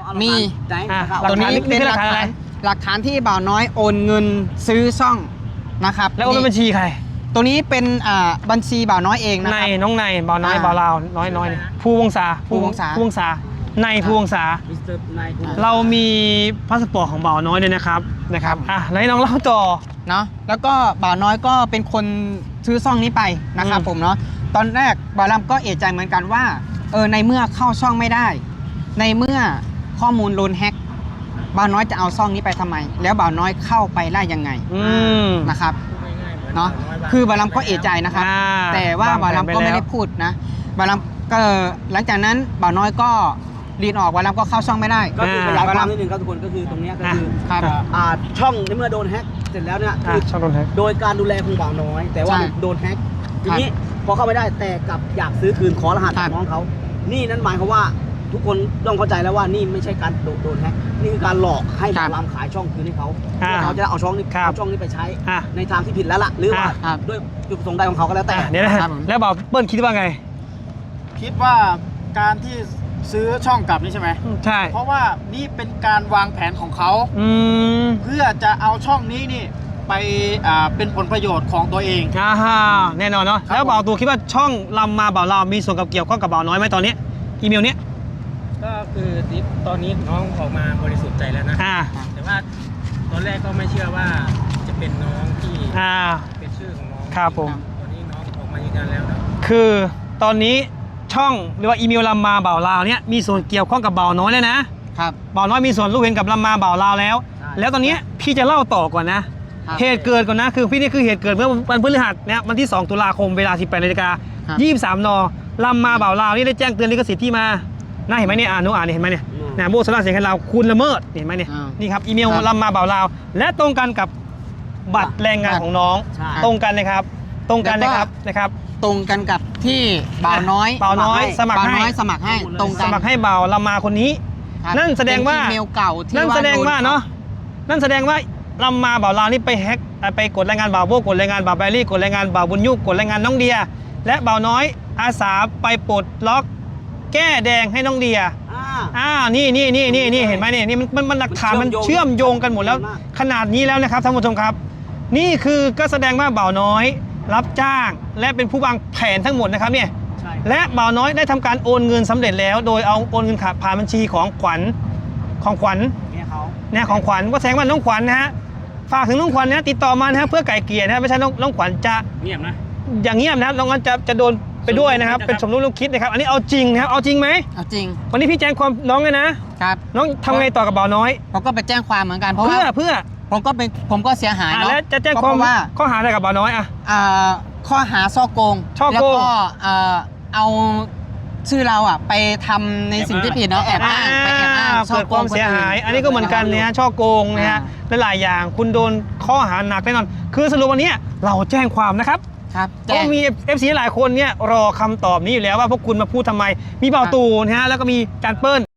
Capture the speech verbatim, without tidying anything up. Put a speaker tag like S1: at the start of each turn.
S1: มี
S2: ตัวนี้เป็นหลักฐานอะไร
S1: หลักฐานที่บ่าวน้อยโอนเงินซื้อช่องนะครับ
S2: แล้วโอนเป็นบัญชีใคร
S1: ตัวนี้เป็นบัญชีบ่าวน้อยเองนะ
S2: ในน้องในบ่าวน้อยบ่าวลาวน้อยน้อยภูวงศา
S1: ภูวงศา
S2: ภูวงศาในภูวงศาเรามีพาสปอร์ตของบ่าวน้อยด้วยนะครับนะครับอ่ะแล้วน้องเล่าต่อ
S1: เนาะแล้วก็บ่าวน้อยก็เป็นคนซื้อช่องนี้ไปนะครับผมเนาะตอนแรกบ่าวลำก็เอะใจเหมือนกันว่าเออในเมื่อเข้าช่องไม่ได้ในเมื่อข้อมูลโดนแฮ็กบ่าวน้อยจะเอาช่องนี้ไปทำไมแล้วบ่าวน้อยเข้าไปได้ยังไงนะครับเนาะคือบ่าวลำก็เอะใจนะครับแต่ว่าบ่าวลำก็ไม่ได้พูดนะบ่าวลำก็หลังจากนั้นบ่าวน้อยก็รีนออกบ่าวลำก็เข้าช่องไม่ได้
S3: ก็คือขยายความนิดนึงครับทุกคนก็คือตรงนี้ก็คือช่องในเมื่อโดนแฮ็กเสร็จแล้วเนี่ยคือ
S2: ช่องโดนแฮ็ก
S3: โดยการดูแลของบ่าวน้อยแต่ว่าโดนแฮ็กทีนี้พอเข้าไม่ได้แต่กลับอยากซื้อคืนขอรหัสจากน้องเขานี่นั่นหมายความว่าทุกคนต้องเข้าใจแล้วว่านี่ไม่ใช่การโดนแฮ็กนี่คือการหลอกให้บ่าวลำขายช่องคืนให้เขาเพื่อเขาจะเอาช่องนี้เอาช่องนี้ไปใช้ในทางที่ผิดแล้วล่ะหรือว่าด้วยจุดประสงค์ใดของเขาก็แล้วแต่
S2: เนี่ยนะครับแล้วบ่าวเปิ้ลคิดว่าไง
S4: คิดว่าการที่ซื้อช่องกลับนี่ใช่ไหม
S2: ใช่
S4: เพราะว่านี่เป็นการวางแผนของเขาเพื่อจะเอาช่องนี้นี่ไปเป็นผลประโยชน์ของตัวเอง
S2: อ่าฮะแน่นอนเนาะแล้วบ่าวตูคิดว่าช่องลำมาบ่าวเรามีส่วนกับเกี่ยวข้องกับบ่าวน้อยไหมตอนนี้อีเมลเนี้ย
S5: ก็คือตอนนี้น้องออกมาบริสุทธิ์ใจแล้วนะแต่ว่าตอนแรกก็ไม่เชื่อว่าจะเป็นน้องที่เป็นชื่อของน้อง
S2: ครับผม
S5: ตอนนี้น้องออกมายืนยันแล้วนะ
S2: คือตอนนี้ช่องหรือว่าอีเมลลำมาบ่าวลาวเนี่ยมีส่วนเกี่ยวข้องกับบ่าวน้อยแล้วนะครับบ่าวน้อยมีส่วนรู้เห็นกับลำมาบ่าวลาวแล้วแล้วตอนนี้พี่จะเล่าต่อก่อนนะเหตุเกิดก่อนนะคือพี่นี่คือเหตุเกิดเมื่อวันพฤหัสเนี่ยวันที่สองตุลาคมเวลาสิบแปดนาฬิกายี่สิบสามนลำมาบ่าวลาวนี่ได้แจ้งเตือนลิขสิทธิ์ที่มาน่าเห็นไหมเนี่ยอ่านหนูอ่านเห็นไหมเนี่ยนะโบสถ์เสียงให้เราคุณละเมิดเห็นไหมเนี่ยนี่ครับอีเมลลำมาบ่าวลาวและตรงกันกับบัตรแรงงานของน้องตรงกันเลยครับตรงกันนะครับนะครับ
S1: ตรงกันกับที่บ่าวน้อย
S2: บ่าวน้อยสมัครให้
S1: สมัครให้ตรงกัน
S2: สมัครให้บ่าวลำมาคนนี้นั่นแสดงว่า
S1: อีเมลเก่าที่
S2: นั่นแสดงว่าเนาะนั่นแสดงว่าลำมาบ่าวลาวนี่ไปแฮกไปกดรายงานบ่าวโบกดรายงานบ่าวแบรี่กดรายงานบ่าวบุญยุกกดรายงานน้องเดียและบ่าวน้อยอาสาไปปลดล็อกแก้แดงให้น้องเดียอ่านี่นี่นี่นี่นี่เห็นไหมเนี่ยนี่มันมันหลักฐานมันเชื่อมโยงกันหมดแล้วขนาดนี้แล้วนะครับท่านผู้ชมครับนี่คือก็แสดงว่าบ่าวน้อยรับจ้างและเป็นผู้วางแผนทั้งหมดนะครับเนี่ยและบ่าวน้อยได้ทำการโอนเงินสำเร็จแล้วโดยเอาโอนเงินผ่านบัญชีของขวัญของขวัญเนี่ยของขวัญก็แสดงว่าน้องขวัญนะฮะฝากถึงน้องขวัญนะติดต่อมานะฮะเพื่อไก่เกลี่ยนะไม่ใช่น้องน้องขวัญจะ
S5: เงียบนะ
S2: อย่างเงียบนะน้องขวัญจะจะโดนไปด้วยนะครับเป็นสมรู้ร่วมคิดนะครับอันนี้เอาจริงนะครับเอาจริงไหม
S1: เอาจริง
S2: วันนี้พี่แจ้งความน้องเลยนะครับน้องทำไงต่อกับบ่าวน้อย
S1: ผมก็ไปแจ้งความเหมือนกันเพราะ
S2: เพื่อเพื่อ
S1: ผมก็เป็นผมก็เสียหายเนาะ
S2: แล้วจะแจ้งความว่าข้อหาอะไรกับบ่าวน้อยอ่ะ
S1: ข้อหาช่อโกงแล้วก็เอาชื่อเราอ่ะไปทำในสิ่งที่ผิดเนาะแอบอ้างไปแอบอ้าง
S2: เกิดความเสียหายอันนี้ก็เหมือนกันเนี่ยช่อโกงนะฮะหลายอย่างคุณโดนข้อหาหนักแน่นอนคือสรุปวันนี้เราแจ้งความนะครับก็มี เอฟ ซี หลายคนเนี่ยรอคำตอบนี้อยู่แล้วว่าพวกคุณมาพูดทำไมมีเบาตูนะฮะแล้วก็มีการเปิ้ล